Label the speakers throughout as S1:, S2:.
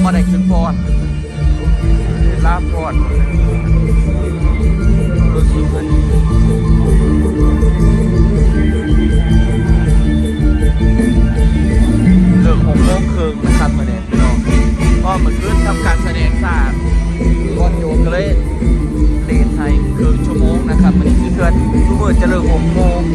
S1: มาได้ขึ้นพอดลาพอดรู้สึกเลยเลิก6 โมงครึ่งนะครับมาเนี่ยพี่น้องก็เหมือนขึ้นทำการแสดงศาสตร์ก่อนโยกก็เลยเลทไทยครึ่งชั่วโมงนะครับมันคือเพื่อนทุกเมื่อจะเลิก6 โมง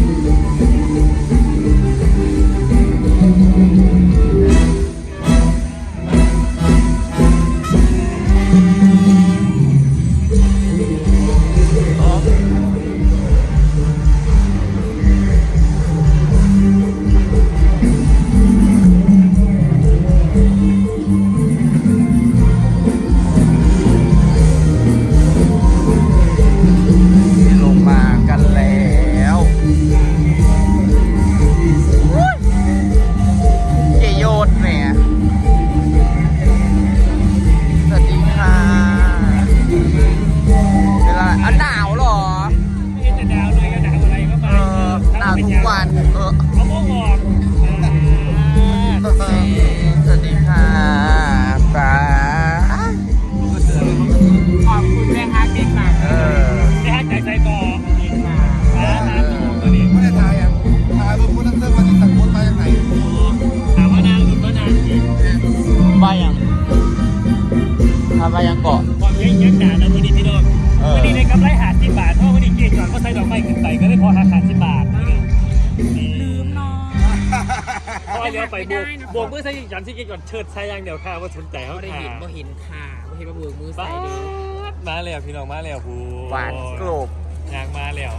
S1: มายังเกาะ
S2: ความเยอะยักษ์หนาแล้ววันนี้พี่น้องวันนี้ในกำไร50 บาทเพราะวันนี้เกียร์ก่อนก็ใส่ดอกไม้ขึ้นไปก็ได้พอหัก50 บาท
S3: ลืมเนาะ
S2: พอเดี๋ยวไปบวกมือใส่ยันที่เกียร์ก่อนเชิดใช้อย่างเดียวค่ะว่าสนใจเขา
S3: ได้เห็นบ่เห็นค่ะบ่เห็นว่าบวกมือใส่ดี
S2: มาแล้วพี่น้องมาแล้วผู้
S1: หวานกรอบ
S2: ยางมาแล้ว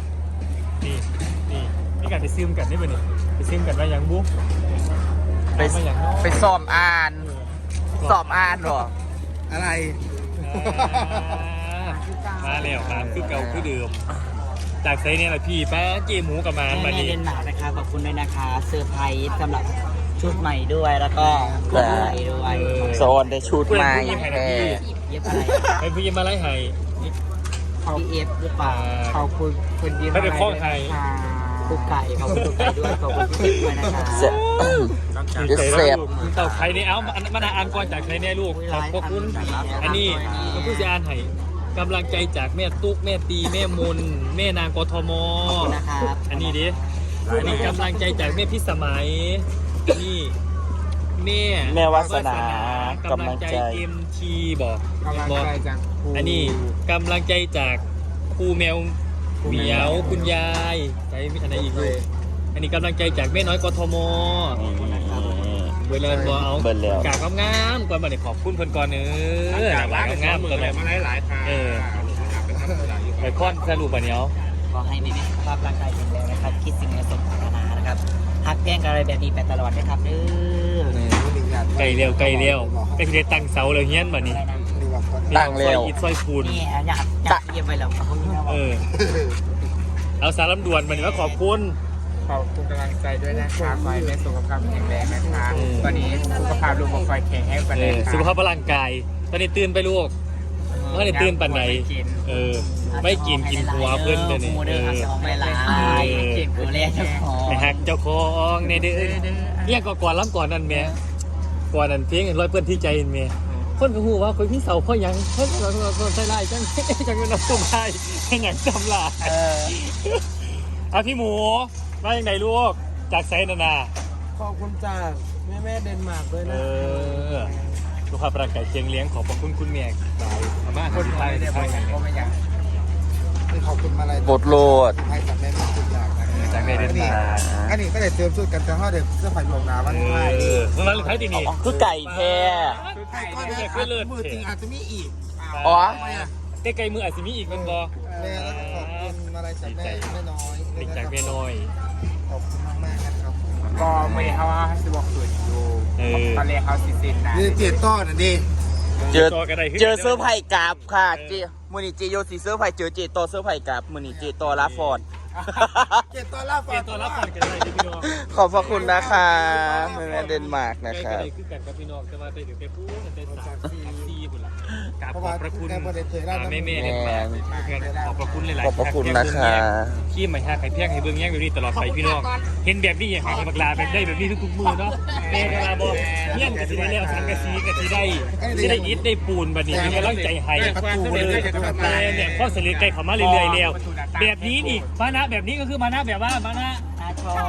S2: นี่กันไปซึมกันได้ป่ะเนี่ยไปซึมกันว่ายังบุ๊ก
S1: ไปสอบอ่านหรออะไร
S2: มาแล้วครับคือเก่าคือเดิมจากไซเนี่ยแหละพี่ป้าเจหมูกับมา
S3: มาดีเดนมาร์กนะคะขอบคุณด้วยนะคะเซอร์ไพรส์สำหรับชุดใหม่ด้วยแล้วก็กล้องใหม่ด้วย
S1: โซนได้ชุดใหม่
S3: เย็บอะไร
S2: ไอ้ผู้ยิมมาไล่ไห้
S3: พี่เอฟหรือเปล่าขอบคุณคุณยิม
S2: ไม่เป็นข้องไห้
S3: คุกไก่ขอบคุณคุกไก่ด้วยขอบคุณพี่เอฟด้วยนะคะ
S1: เสพ
S2: เต่าไข่เนี่ยเอามันอ่านก่อนจากไข่เนี่ยลูกขอบคุณอันนี้ก็ผู้จะอ่านให้กำลังใจจากแม่ตุ๊กแม่ตีแม่มนแม่นางกทมอันนี้ดิอันนี้กำลังใจจากแม่พิสมัยนี่แม่
S1: วาสนากำลังใจ
S2: เอ็มทีบอกอันนี้กำลังใจจากครูแมวเหมียวคุณยายใจอันไหนอีกลูกอันนี้กำลังใจจากแม่น้อยกทมเบลล์บอเอากากงามก่อนมาเนี่ยขอบคุณเพิ่นก่อนกากงามก่อนเลยมาหลายทางไปค้อนสรุปแบบนี้
S3: ขอให้แม่สุขภาพร่างกายแข็งแรงนะครับคิดสิ่งใดสมปรารถนานะครับฮักแกล้งอะไรแบบนี้ไปตลอดนะครับเด้อ
S2: ไก่เร็วเป็นเด็กตั้งเสาเลยเฮี้ยนแบบนี้
S1: ตั้งเร็ว
S2: อิดซอยคูน
S3: นี่อยากเยี่ยมไปแล้ว
S2: เอาสารลำดวนมาเนี่ยว่าขอบคุณ
S4: กำลังใจด้วยนะคะขอให้แม่สุขภาพแข็งแรงนะคะตอนนี้สุขภาพลูกบอกคอยแข็งแรงไปเลย
S2: สุขภาพร่างกายตอนนี้ตื่นไปลูกเมื่อไหร่ตื่นปันไหนไม่กินหัวเพื่อนเลยนี่
S3: ไม่ลายกินหัวเล่เจ้าของ
S2: ไปหักเจ้าของในเดือนเนี่ยก่อนล้ำก่อนนั่นแม่ก่อนนั่นเพียงร้อยเพื่อนที่ใจแม่คนก็หูว่าคนพี่เสาพ่อยังคนใส่ลายจังเป็นน้ำส้มไทยเป็นอย่างจำลายเอาพี่หมูมาอย่างไรลูกจากไซนานา
S4: ขอบคุณจากแม่เดนมาร์กด้วยนะ
S2: สุขภาพร่างกายเชียงเลี้ยงขอบคุณคุณเมียบายอาม่า
S4: คนไทยได้ไปก็ไม่อยากขอบคุณมาอะไร
S1: บทโหลด
S4: ไทยจากแม่ทุกอย่าง
S2: จากในเดนมาร์ก
S4: อันนี้ก็ได้เติมชุดกันแต่ว่าเด็กเสื้อผ้าหลวงนาวันไทย
S2: วันไทยที่นี่
S1: คือไก่แท้
S4: ก็ได้คือเลิศมือจริงอาจจะมีอีก
S1: อ๋อ
S2: ไก่มืออาจจะมีอีกมันบอ
S4: แม่แล้วขอบคุณอะไรจากแม่น้อย
S2: จากแม่น้อย
S4: ขอบคุณมากนะครับก็ไม่ได้เขาว่าสิบอกสุดอยู่ตอนแรกเขาสินะนี่เจ็ดต้อนดิ
S1: เจอเสื้อไผ่กราบค่ะมือนี่เจโยสีเสื้อไผ่เจอเจต่อเสื้อไผ่กราบมือนี่เจต่อลาฟอร์ด
S4: เจ็ดต้อนลาฟอร์ด
S2: กันเลยพี่น้อง
S1: ขอบพระคุณนะคะแม่เดนมาร์กนะคะ
S2: คือกันกับพี่น้องจะมาไปถึงไปพูดกันเป็นซีบุญละกราบขอบพระคุณแม่เดนมาร์กขอบพระคุณหลายๆ
S1: ขอบพระคุณนะคะ
S2: ขี้ใหม่ฮะไข่เพี้ยงไข่เบื้องแย่งแบบนี้ตลอดไปพี่น้องเห็นแบบนี้อย่างไข่บักลาแบบได้แบบนี้ทุกๆมือเนาะแม่กลาบอกงี้ยก็สิได้แล้วสังกะสีก็สิได้อิฐได้ปูนบัดนี้เป็นกำลังใจให้เนี่ยข้อเสนอไกลเข้ามาเรื่อยๆแล้วแบบนี้นี่มานะแบบนี้ก็คือมานะแบบว่ามานะ
S3: ชอบ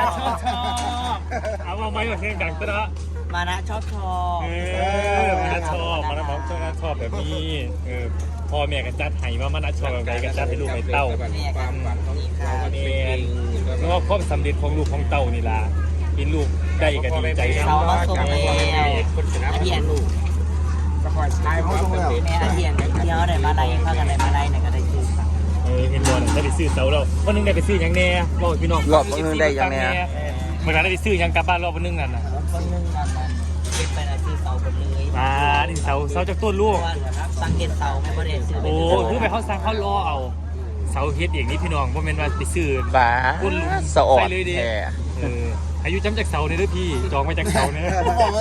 S2: เอาไม้มาเพลงดังตระ
S3: มานะชอบ
S2: มานะชอบมานะบอกชอบแบบนี้พ่อแม่กันจัดให้มานะชอบแบบไหนกันจัดให้ลูกให้เต้า
S4: ความหวังของเรามันเป็นจริง
S2: เพราะว่าความสำเร็จของลูกของเต้านี่ล่ะเห็นลูกได้กันดีใจนะ
S3: เรามาส่งแล้ว
S4: คนชนะ
S3: อาเดียน
S4: ลูกสปอร์ตไลน์เขาส่งแล้ว
S3: แม่อาเดียนเที่ยวได้มาไล่พากันได้มาไล่เนี่ยก็ได้ซื้อเสา
S2: เห็นบอลได้ไปซื้อเสาแล้ววันนึงได้ไปซื้อยังแน่บอกพี่น้อง
S1: รอบนึงได้ยังแน่
S2: เมื่อไหร่ได้ไปซื้อยังกลับบ้านรอบนึงนั่นน่ะ
S3: คนนึงนั่นเก็บไปได้ซื้อเสาหมดเลย
S2: มาดิเสาจากต้นลูก
S3: สังเกตเสาไม่ประเด็นซื้อ
S2: โอ้คือไปเขาสั่งเขารอเอาเสาเฮ็ดอย่างนี้พี่น้องเพราะเป็นว่าไปซื้อ
S1: บ้าสะออด
S2: ไปเลยดิ
S1: แท้
S2: อายุจำจากเสาเนี่ยด้วยพี่จองมาจากเสาเนี่ย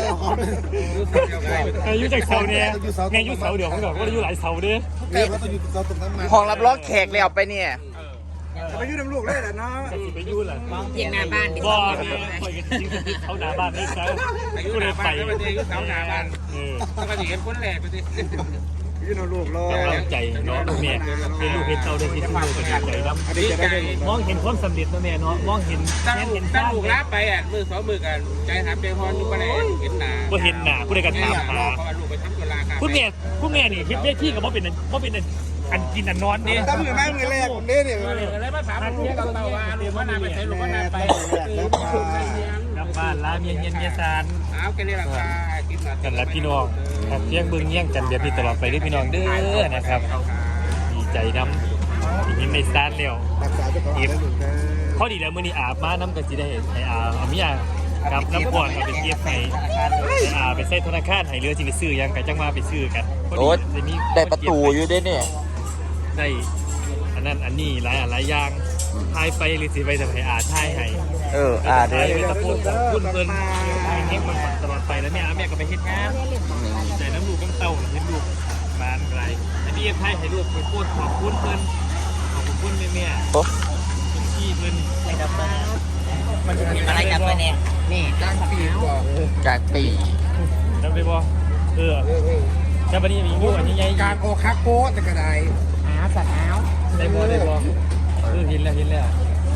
S2: อายุจากเสาเนี่ยแม่อายุเสาเดี๋ยวเขาบอกว่าอายุหลายเสาเด้อ
S1: ห้องรับรองแขกแล้วไปเนี่ย
S4: ไปยุ่งลูกเลยแหละเนาะ
S2: จะสิไปยุ่งเหรอ
S3: มองเพียงหน้าบ้านดิ
S2: บ่เนี่ยคอยกันจริงเขาหน้าบ้านนี่เขาก็เลยไป
S4: สาวหนาบ้านต้องมาถึงคนแหลกไปสิยุ่งลูกเลย
S2: กำลังใจเนาะแม่เป็นลูกเป็นเต่าได้ที่ลูกเป็นใจดำ
S4: ดีใจ
S2: มองเห็นความสำเร็จนะแม่เนาะมองเห็น
S4: ตั้ง
S2: เห็น
S4: ตั้งลูกรับไปมือสองมือกันใจหาเปียพรลูกไปไหนเห็นหนา
S2: ว่าเห็นหน้าผู้ใดกันถามหา
S4: เพราะว่าลูกไปทำตัวลาค่ะ
S2: คุณแม่นี่เฮ็ดเวทีกับว่าเป็นอันกินอันนอนนี่
S4: ตั้งมือแม่มือแรกคนนี้เนี่ยอะไรมาถามลูกเราว่าลูกว่านาไปใช้ลูกว่านาไป
S2: กลับบ้านลาเมียเย็นเมียซาน
S4: เอาแค่นี้ราคากินมา
S2: กันละพี่น้องครับเลี้ยงเบิ่งเลี้ยงกันแบบนี้ตลอดไปด้วยพี่น้องเด้อนะครับดีใจน้ำอีกนิดในซานแล้วพอดีแล้วมื้อนี้อาบมาน้ำก็สิได้ให้อาเมียกับน้ำก่อนเอาไปเก็บให้ไปใส่ธนาคารให้เรือสิไปซื้อยังก็จังมาไปซื้อกัน
S1: โอ้ได้ประตูอยู่ด้วยเนี่ย
S2: ได้อันนั้นอันนี้หลายอย่างทายไปหรือสิไปแต่ให้ทายให้
S1: เด้
S2: ทาย
S1: อ
S2: ไปตะโกนบอกคุณเพิ่นให้มันตลอดไปแล้วแม่ก็ไปเฮ็ดงานใจน้ำลูกต้องเต่าเห็นลูกบานไกลอันนี้ไทยให้ลูกไปพูดขอบคุณเพิ่นขอบคุณแม่
S1: โอ้
S2: ที่เพิ่น
S3: ไปดับเบิ้ลอะไรกลับไปเนี่ยนี่ตั้งปีกว่า
S1: จากปี
S2: จำได้บ่จำบัดนี้มีอยู่อันนี้ใหญ่
S4: การโอคักโก้แต่กระได
S3: สัตว์อ้าว
S2: ได้บ่เห็นแล้วเห็นแล้วนั่นแหละ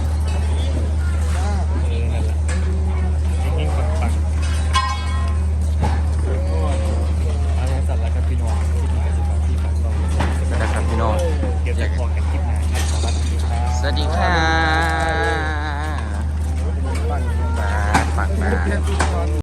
S2: เฮงๆปังๆอะไรสัตว์ละครับพี่น้องที่มีกสิกรที่ฝากเรา
S1: นะครับพี่น้อง
S2: เดี๋ยวจะบอกกันคลิปหน้าครับสวัสดีครับ
S1: สวัสดีค่ะมาปักมา